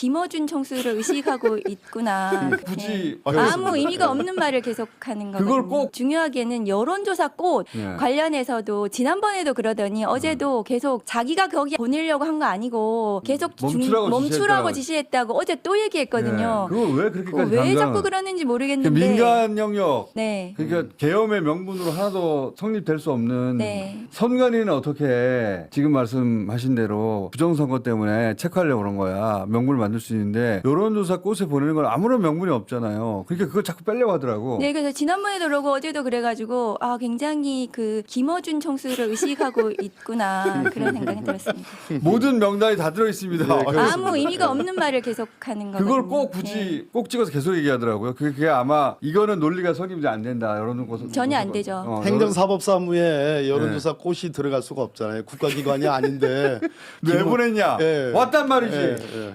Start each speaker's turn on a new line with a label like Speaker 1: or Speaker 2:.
Speaker 1: 김어준 총수를 의식하고 있구나.
Speaker 2: 굳이
Speaker 1: 아무 의미가 없는 말을 계속하는 거거든요.
Speaker 2: 그걸 꼭-
Speaker 1: 중요하게는 여론조사 꽃
Speaker 2: 네.
Speaker 1: 관련해서도 지난번에도 그러더니 어제도 계속 자기가 거기 보내려고 한 거 아니고 계속
Speaker 2: 멈추라고
Speaker 1: 지시했다고 어제 또 얘기했거든요.
Speaker 2: 네. 그걸 왜 그렇게까지
Speaker 1: 왜
Speaker 2: 강조하는-
Speaker 1: 자꾸 그러는지 모르겠는데.
Speaker 2: 민간 영역
Speaker 1: 네.
Speaker 2: 그러니까 계엄의 명분으로 하나도 성립될 수 없는
Speaker 1: 네.
Speaker 2: 선관위는 어떻게 지금 말씀하신 대로 부정선거 때문에 체크하려고 그런 거야. 명분을 만들 수 있는데 여론조사 꽃에 보내는 건 아무런 명분이 없잖아요. 그러니까 그걸 자꾸 빼려고 하더라고.
Speaker 1: 네, 그래서 지난번에도 그러고 어제도 그래가지고 아 굉장히 그 김어준 총수를 의식하고 있구나 그런 생각이 들었습니다.
Speaker 2: 모든 명단이 다 들어있습니다.
Speaker 1: 아무 의미가 없는 말을 계속하는 거거든요.
Speaker 2: 그걸 꼭 굳이 꼭 찍어서 계속 얘기하더라고요. 그게 아마 이거는 논리가 성립이 안 된다. 여론조사
Speaker 1: 전혀 안 되죠.
Speaker 3: 행정사법사무에 여론조사 꽃이 들어갈 수가 없잖아요. 국가기관이 아닌데
Speaker 2: 왜 보냈냐?
Speaker 3: 예.
Speaker 2: 왔단 말이지.
Speaker 3: 예, 예.